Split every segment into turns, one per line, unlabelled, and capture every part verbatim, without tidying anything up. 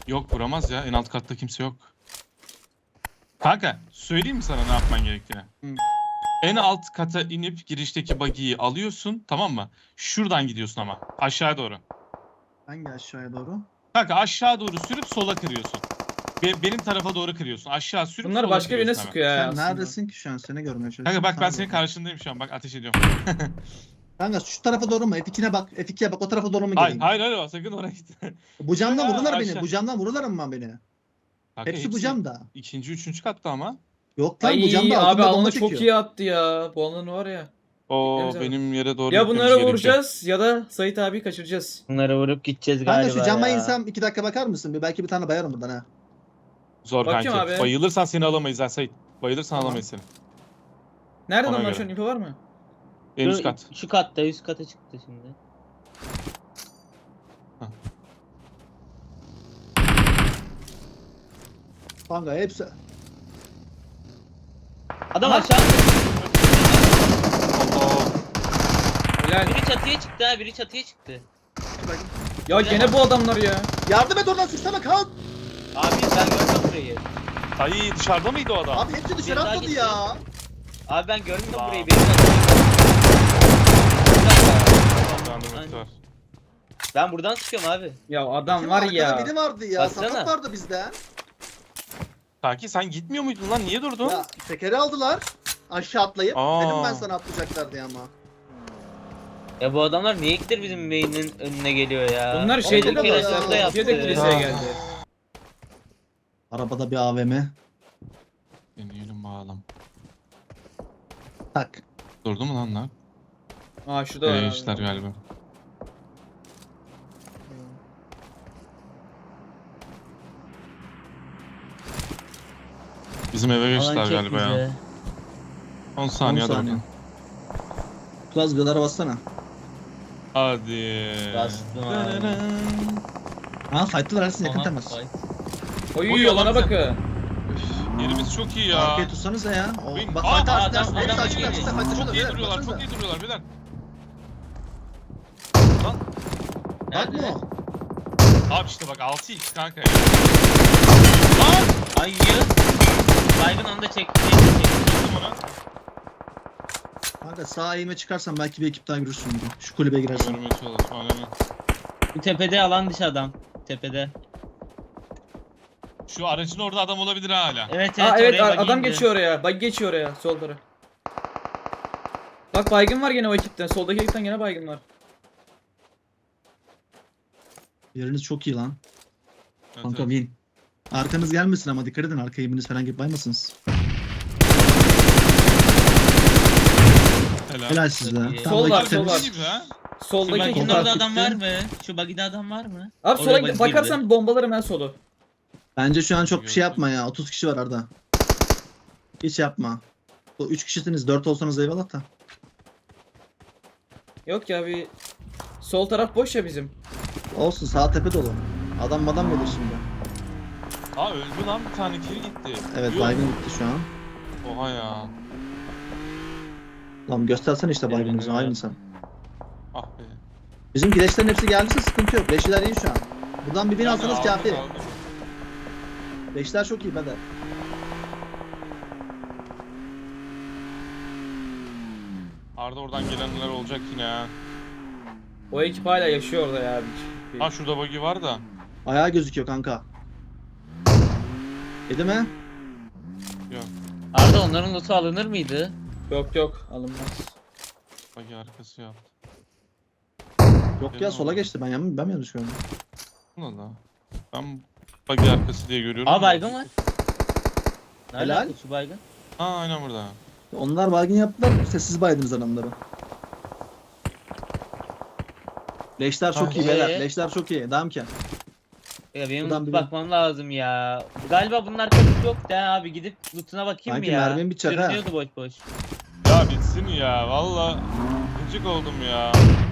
Yok vuramaz ya. En alt katta kimse yok. Kanka söyleyeyim mi sana ne yapman gerektiğini?
Hı.
En alt kata inip girişteki buggy'yi alıyorsun, tamam mı? Şuradan gidiyorsun ama aşağı doğru.
Hangi aşağıya doğru?
Kanka aşağı doğru sürüp sola kırıyorsun. Be- benim tarafa doğru kırıyorsun. Aşağı sürüp
Bunlar
sola
başka birine
kırıyorsun hemen.
sıkıyor ya
Sen
aslında.
neredesin ki şu an? Seni görmeye çalışıyorum.
Kanka bak ben
Sana
senin
bakıyorum.
karşındayım şu an. Bak ateş ediyorum.
Kanka şu tarafa doğru mu? F iki'ne bak. F iki'ye bak. O tarafa doğru mu
hayır
geleyim?
hayır hayır sakın oraya gitme.
Bu camdan
Ya,
vururlar beni.
aşağı.
Bu camdan vururlar mı beni?
Kanka,
Hepsi bu camda.
İkinci, üçüncü katta ama.
Yok lan
Ay
bu camda
abi
altında bomba
alanı
çekiyor.
çok iyi attı ya. Bu alanı var ya.
O
Gitmemiz lazım.
benim yere doğru
Ya
gitmemiz
bunlara
gerekiyor.
vuracağız ya da Sait abi kaçıracağız.
Bunları vurup gideceğiz
Kanka
galiba
şu cama
ya.
insem iki dakika bakar mısın? Bir belki bir tane bayarım buradan ha.
Zor
Bakıyorum
kanki.
abi.
Bayılırsan seni alamayız ha Sait. Bayılırsan
Tamam.
alamayız seni.
Nerede
Ona
onlar
göre.
şu an info var mı?
En üst
Şu-
kat.
Şu katta üst kata çıktı şimdi.
Kanka hepsi.
Adam
Aha.
aşağı.
Allah.
Helal.
Biri çatıya çıktı ha biri çatıya çıktı.
Ya gene bu adamlar ya.
Yardım et oradan sıksana kalk.
Abi ben görmedim burayı.
Ay dışarıda mıydı o adam?
Abi hepsi dışarı
Bir daha
atladı
gitti.
ya.
Abi ben görmedim
Wow.
burayı. Benim çatıya.
Uyandırması var.
Ben buradan sıkıyorum abi.
Ya adam
Kim
var
arkada
ya.
biri vardı ya.
Baksana.
Sakat vardı bizden.
Kanki sen gitmiyor muydun lan? Niye durdun?
Ya tekeri aldılar. Aşağı atlayıp.
Aa.
Dedim ben sana atlayacaklar diye ama.
Ya bu adamlar niye gittir bizim beynin önüne geliyor ya?
Bunlar
Oğlum,
şeyde
bu
de
kadar
kere
ya.
şurada yaptı.
Türkiye'de kiliseye
Ah.
geldi.
Arabada bir A V M.
Deneyelim bakalım.
Tak.
Durdu mu lan lan?
Aa şurada var
Ee,
abi.
işler galiba. Bizim eve
Alan
geçtiler
çek
galiba ya.
bize.
on saniye
on
hadi
saniye.
bakalım.
Plus gıdara bassana.
Hadi.
Bastım abi.
Ha fight'lılar Ersin yakın
Aha,
temas.
vay.
Oy
Oy,
yolana
adam-
bakın.
Üf, yerimiz çok iyi ya.
Arkaya tutsanıza ya. O,
Benim-
bak
Aa,
fight
adam-
açtı Ersin.
adam
Hepsi açık
geliyor.
açık fight
Çok
açıyorlar.
iyi
beyler,
duruyorlar,
baksanıza.
çok iyi duruyorlar beyler.
Bak mı
Nerede?
o?
Abi işte bak altı x kanka ya. Lan!
Ay yı. Baygın onu da çekti.
Vurdum onu.
Kanka sağ eğime çıkarsan belki bir ekip daha görürsün. gibi. Şu kulübe girersin.
Görmeye çalışma aynen.
Bu tepede alan dışı adam. Tepede.
Şu aracın orada adam olabilir ha hala.
Evet evet
Aa evet
oraya
a-
bak
adam
indi.
geçiyor oraya. Bak geçiyor oraya sol taraf. Bak baygın var gene o ekipten. Soldaki ekipten gene baygın var.
Yeriniz çok iyi lan.
Evet,
Kanka
evet.
win. Arkanız gelmesin ama dikkat edin arka eğiminiz falan gibi baymasınız.
Helal.
Helal size.
Çok iyi.
Tam
Sol
da
var,
ekip
sol
temiz.
var.
Gibi ha.
Şu
Soldaki
baginin
ekipten.
Kontrol
orada adam
gitti.
var mı? Şu bagide adam var mı?
Abi
Oraya
sola
bak
bakarsan
girdi.
bombalarım ben solu.
Bence şu an çok bir şey yapma ya. otuz kişi var Arda. Hiç yapma. Bu üç kişisiniz. dört olsanız eyvallah da.
Yok ya bir sol taraf boş ya bizim.
Olsun sağ tepe dolu. Adam madam gelir şimdi.
Aa öldü lan bir tane kill gitti.
Evet
Yok.
baygın gitti şu an.
Oha ya.
Lan göstersene işte baygınızı
Evet.
aynı sen.
Ah be.
Bizim gireçlerin hepsi geldiyse sıkıntı yok. Beşler iyi şu an. Buradan bir bin
Yani
alsanız
aldım,
kafi.
aldım.
Beşler çok iyi beder.
Arda oradan gelenler olacak yine ha.
O ekip hala yaşıyor orada ya. Bir-
Ha şurada buggy var da.
Ayağı gözüküyor kanka. Yedi mi?
Yok.
Arda onların loot'u alınır mıydı?
Yok yok alınmaz.
Buggy arkası yaptı.
Yok
Yedi
ya
mi
sola
oldu?
geçti ben yanlış ben mi yanlış gördüm?
Allah Allah. Ben buggy arkası diye görüyorum.
Aa baygın var. Nerede
Helal.
Şu baygın.
Ha aynen burada.
Onlar baygın yaptılar. Sessiz baydınız adamları. Leşler çok
Ay.
iyi beyler.
Ee?
Leşler çok iyi. Devam ki.
Ya benim
Buradan
loot
bir-
bakmam lazım ya. Galiba bunun arkası yok da abi gidip loot'una bakayım
Sanki
mı ya?
mermim bitecek ha.
Görünüyordu boş boş.
Ya bitsin ya valla. Gıcık oldum ya.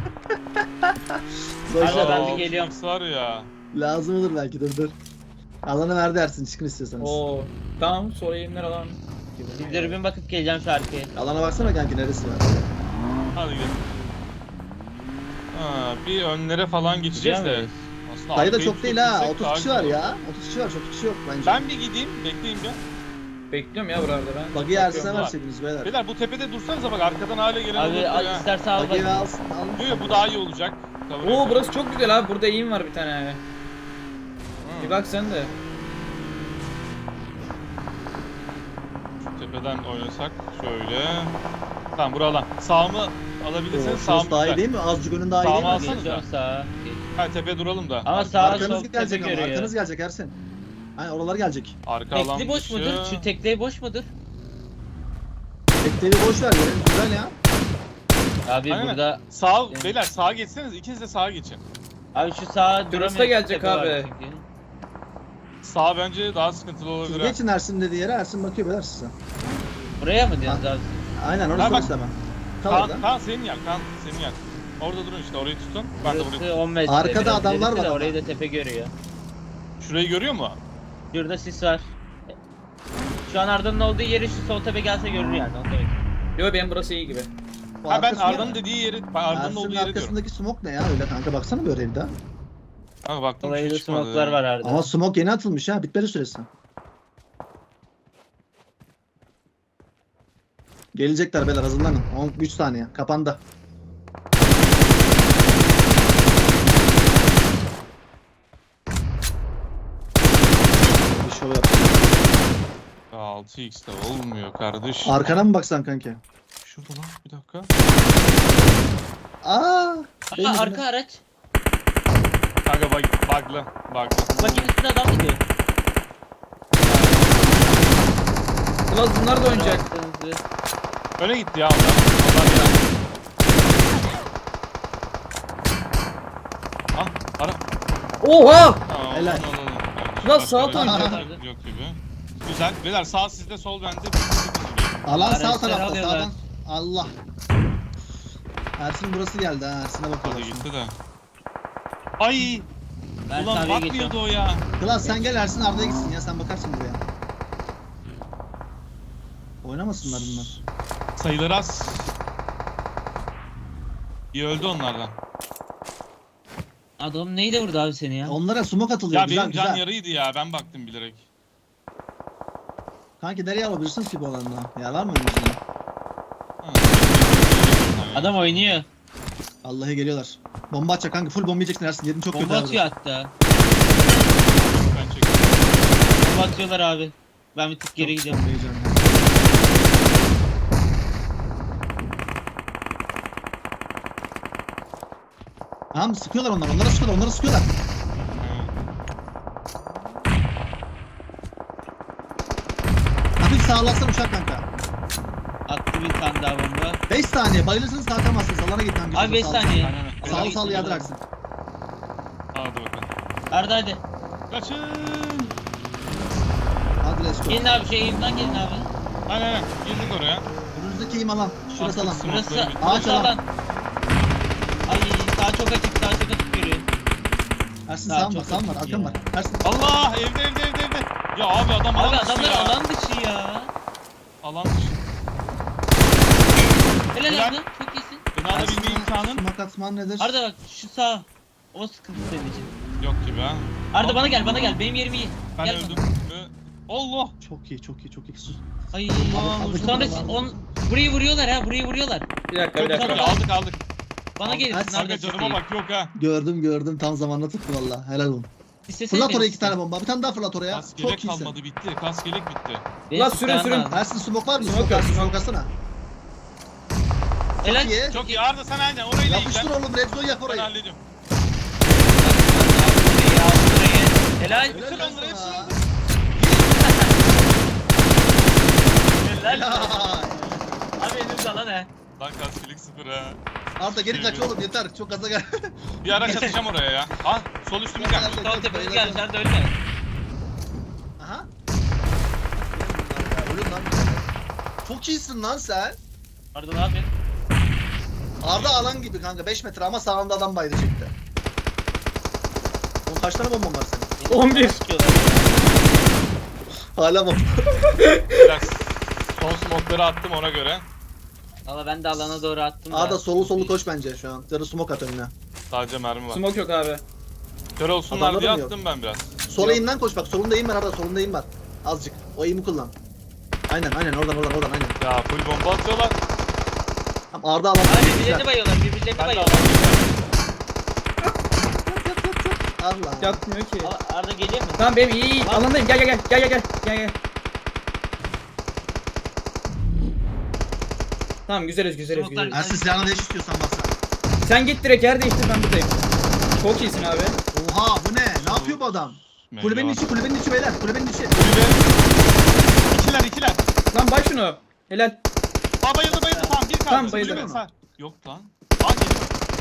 Boşver
Abi ben
abi.
bir geliyorum.
altı x var ya.
Lazım olur belki dur dur. Alanı ver dersin çıkın istiyorsanız.
Oo tamam sonra yayınlar alan.
Bir dürbün bakıp geleceğim şu arkaya.
Alana baksana kanki neresi var.
Hadi gidelim. Ha, bir önlere falan geçeceğiz
Gidiyor
de.
muyuz?
Aslında
Sayı da
arkayı
çok değil ha.
tutabilsek
otuz
daha
kişi
güzel
var
olur.
ya. otuz kişi var, çok kişi yok bence.
Ben bir gideyim, bekleyin bir.
Bekliyorum ya buralarda ben.
Buggy'i Ersin'e
Bakıyorum.
verseydiniz beyler.
Beyler bu tepede dursanıza bak arkadan hale gelen
Abi
olabilir
al,
ha.
istersen al
Buggy'i
bak.
alsın, alın.
Yok yok, bu daha iyi olacak. Kabul
Oo
ediyorum.
burası çok güzel abi. Burada eğim var bir tane.
Hı.
Bir bak sen de.
Tepeden oynasak şöyle. Tamam buradan. Sağımı alabilirseniz
Şurası
sağımı
daha iyi
güzel.
değil mi? Azıcık önün daha iyi
Sağıma
değil mi?
alsana.
Geçiyorum sağa. Geç.
Ha tepe duralım da.
Ama
Ar-
sağ
Arkanız
sol tepe
gelecek ama,
görüyor.
arkanız gelecek Ersin. Aynen oralar gelecek.
Arka alan
Tekli boş
dışı.
mudur? Şu tekli boş mudur?
Bekleyi boş ver ya. Güzel ya.
Abi
Aynen.
burada
Sağ,
Yani-
beyler sağa geçseniz ikiniz de sağa geçin.
abi şu sağa duramıyor.
da gelecek
tepe var
abi.
çünkü.
Sağ bence daha sıkıntılı
Siz
olabilir. ha.
geçin Ersin dediği yere, Ersin bakıyor beyler size.
Buraya mı diyorsunuz abi?
Aynen
Ha,
orası
bak.
orası hemen. Kal
Kaan,
orada.
Kaan senin yer, Kaan senin yer. Orada durun işte, orayı tutun. Ben de burayı
Burası
tutayım.
on metre.
Arkada
biraz
adamlar
ilerisi
var
de
ama.
Orayı da tepe görüyor.
Şurayı görüyor mu?
Şurada sis var. Şu an Arda'nın olduğu yeri şu sol tepe gelse görür yani. Onu demek.
Yo benim burası iyi gibi.
Bu
Ha ben
arkası
Arda'nın
ne?
dediği yeri, ben Arda'nın
Ersin'in
olduğu yeri diyorum.
arkasındaki smoke ne ya öyle kanka, baksana böyle evde.
Kanka baktım
Orayı
bir
da
şey çıkmadı.
smoke'lar var Arda.
Ama smoke yeni atılmış ha, bitmedi süresi. Gelecekler beyler, hazırlanın. on üç saniye kapandı. Bir şov yap.
Ya altı x'te olmuyor kardeş.
Arkana mı baksan kanki?
Şurada lan bir dakika.
Aa! değil
Aa,
mi?
arka araç.
Kanka bug, bug'lı, bug'lı.
Bakın üstünde adam gidiyor.
Ulan bunlar da oynayacak.
Baktığınızı-
Öne gitti ya onlar. Onlar ya. Ah ara.
Oha!
Tamam,
Helal.
onu alalım.
Lan
Başka
sağ
bir
oynayacak.
şey Yok gibi. Güzel. Beyler sağ sizde, sol bende.
Alan sağ
Araçları
tarafta
alıyorlar.
sağdan. Allah. Ersin burası geldi ha. Ersin'e
Hadi
bakıyorlar şu an.
gitti de. Ay!
Ben
Ulan
sabiye
bakmıyordu
geçiyorum.
o ya.
Klas sen gel, Ersin Arda'ya gitsin ya, sen bakarsın buraya. Oynamasınlar bunlar.
Sayıları az. İyi öldü onlardan.
Adam neydi burada abi seni ya?
Onlara smoke atılıyor,
Ya
güzel
benim can
güzel.
yarıydı ya. Ben baktım bilerek.
Kanki nereye alabilirsiniz ki bu alanda? Ya var mı öyle bir şey?
Ha.
Adam oynuyor.
Vallahi geliyorlar. Bomba atacak kanka, full bomba yiyeceksin Ersin. Yerin çok
Bomba
kötü
atıyor
abi.
hatta.
Ben çektim.
Bomba atıyorlar abi. Ben bir tık geri
Çok
gidiyorum.
bomba yiyeceğim ya. Tamam sıkıyorlar onlar, onlara sıkıyorlar, onlara sıkıyorlar. Hafif sağlarsan uçak kanka.
Attı bir tane daha bomba.
beş saniye bayılırsanız kalkamazsınız. Alana git kanka.
Abi beş
Sağ-
saniye.
Aynen.
Sağ
Öyle
sağ
gittim
yardır
ben.
Ersin.
Hadi bakalım.
Arda hadi.
Kaçın.
Hadi let's go.
Gelin abi şey elimden gelin abi.
Aynen aynen. Girdik oraya.
Önünüzdeki im alan. Şurası alan.
Smoke'ları
Burası,
bitti.
Ağaç
burası
alan.
alan. Ay sağ çok açık sağ çok açık görüyor.
Ersin
Daha
sağım var,
çok
sağım var,
açık
arkam
ya.
var. Ersin.
Allah! Evde evde evde evde. Ya abi adam
Abi
alan dışı
adamlar
ya.
alan dışı ya.
Alan dışı.
Helal
Helal.
Arda çok iyisin.
Beni alabilme imkanın
Smoke atman nedir?
Arda bak şu sağ. O sıkıntı senin için.
yok gibi ha.
Arda bana gel bana gel benim yerim iyi.
Ben
Gel
öldüm.
bana.
Ee, Allah!
Çok iyi, çok iyi, çok iyi. Sus.
Ay
Abi,
sonra
abi.
on burayı vuruyorlar ha burayı vuruyorlar.
Bir dakika bir
Çok
dakika.
iyi aldık aldık.
Bana
Aldık.
gelin
Hadi,
nerede
Kanka canıma bak yok ha.
Gördüm, gördüm. Tam zamanla tuttu valla. Helal olsun. Fırlat oraya iki tane bomba. Bir tane daha fırlat oraya.
Kas
Çok
gelek
iyisin.
kalmadı bitti. Kas gelek bitti.
Lan sürün, sürün.
Ersin smoke var mı?
Smoke
Smoke,
yok,
Ersin,
smoke.
smoke atsana.
Helal.
Çok iyi.
Çok iyi Arda sen aynen orayla
Yapıştır
ilgilen.
oğlum, red zone yap
Ben
orayı.
hallediyorum.
Helal.
Hepsi
Helal
onları, hepsi
sana.
onları.
Helal.
Helal.
Abi elimde lan he.
Lan kas gelek sıfır ha.
Arda geri kaç oğlum, yeter. Çok gaza gel.
Bir araç atacağım oraya ya. Ah sol üstümüz gelmiş.
Sol tepemiz gelmiş Arda ölme.
Aha. Ölüm lan. Çok iyisin lan sen.
Arda ne yapıyorsun?
Arda alan gibi kanka, beş metre ama sağında adam baydı çekti. Oğlum kaç tane bomban var senin?
on bir.
Hala bomba.
Biraz son smoke'ları attım ona göre.
Valla ben de alana doğru attım da.
Arda solu solu koş bence şu an. Ya da smoke at önüne.
Sadece mermi var.
Smoke yok abi.
Kör olsunlar
Adamlar
diye
mı yok?
attım ben biraz.
Sol eğimden koş bak. Solunda eğim var Arda. Solunda eğim var. Azıcık. O eğimi kullan. Aynen aynen oradan oradan oradan aynen.
Ya full bomba atıyorlar.
Tamam Arda alan.
Abi birbirlerini bayıyorlar, birbirlerini
Ben de
bayıyorlar.
Allah.
Yatmıyor ki.
Aa, Arda geliyor mu?
Tamam benim iyi iyi. Alandayım. Gel gel gel. Gel gel gel. Gel gel. Tamam güzeliz güzeliz
Smoke'lar-
güzeliz.
Ersin silahını değiş istiyorsan varsa.
Sen git direkt yer değiştir ben buradayım. Çok iyisin abi.
Oha bu ne? Ne yapıyor bu adam? Kulübenin
Meyve
içi kulübenin içi beyler. Kulübenin içi.
Kulübe. İkiler ikiler.
Lan bay şunu. Helal.
Aa bayıldı bayıldı tamam bir kaldı.
Tamam, bayıldı.
Kulübe sağ. Yok lan. Aa geliyor.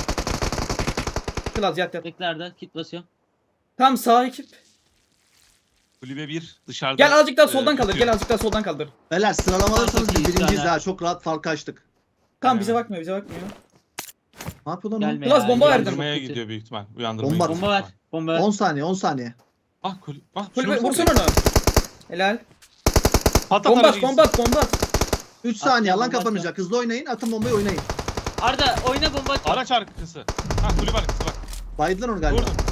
Kılaz yat yat.
Bekle Arda, kit basıyor.
Tam sağ ekip.
Kulübe bir dışarıda.
Gel azıcık daha
e,
soldan kaldır.
tutuyor.
Gel azıck daha soldan kaldır.
Beyler sıralama alırsanız
Çok
biz
iyi
birinciyiz
yani.
ha. Çok rahat fark açtık.
Tamam
Aynen.
bize bakmıyor bize bakmıyor.
Ne yapıyor lan o?
Gelme
Klas
ya,
bomba
gelme.
verdim.
Uyandırmaya
Çok kötü.
gidiyor büyük ihtimal. Uyandırmaya
Bomba-
gidiyor.
Bomba ver. Bomba ver.
on saniye on saniye.
Ah kulübe. Ah
Kulübe
şunu
vursun onu. Helal.
Patlat
Bomba at
aracı
bomba at bomba at.
üç saniye
Atacağım,
alan
bomba
kapanacak. Hızlı oynayın. Atın bombayı oynayın.
Arda oyna bomba at.
Araç arkası. Ha kulübe arkası bak.
Baydılar onu galiba.
Vurdum.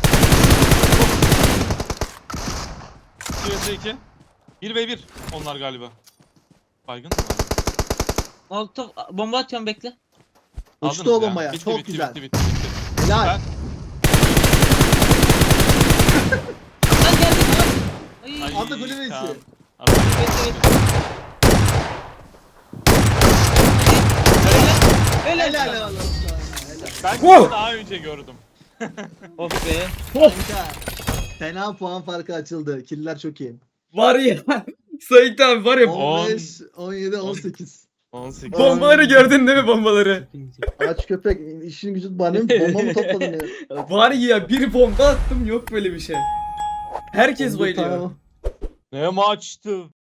iki vs iki. bir ve bir onlar galiba. Baygın mı?
Molotov bomba atıyorum bekle.
Uçtu
Aldınız
o bombaya.
Bitti,
Çok
bitti,
güzel.
Bitti bitti bitti.
Helal.
Lan geldi lan. Ay.
Ay,
Arda kulübe
tamam.
içi.
Arda-
Bekle bekle. Helal.
Helal
Helal.
helal.
Ben
Wow.
sizi daha önce gördüm.
Of be.
Kanka. Fena puan farkı açıldı. Killer çok iyi.
Var ya. Sait abi var ya.
On.
on beş, on yedi, on sekiz.
on sekiz.
Bombaları gördün değil mi bombaları?
Aç köpek işin gücün bana mı? Bomba mı topladın ya?
Var ya bir bomba attım yok böyle bir şey. Herkes
Bomba
bayılıyor.
tamam.
Ne maçtı?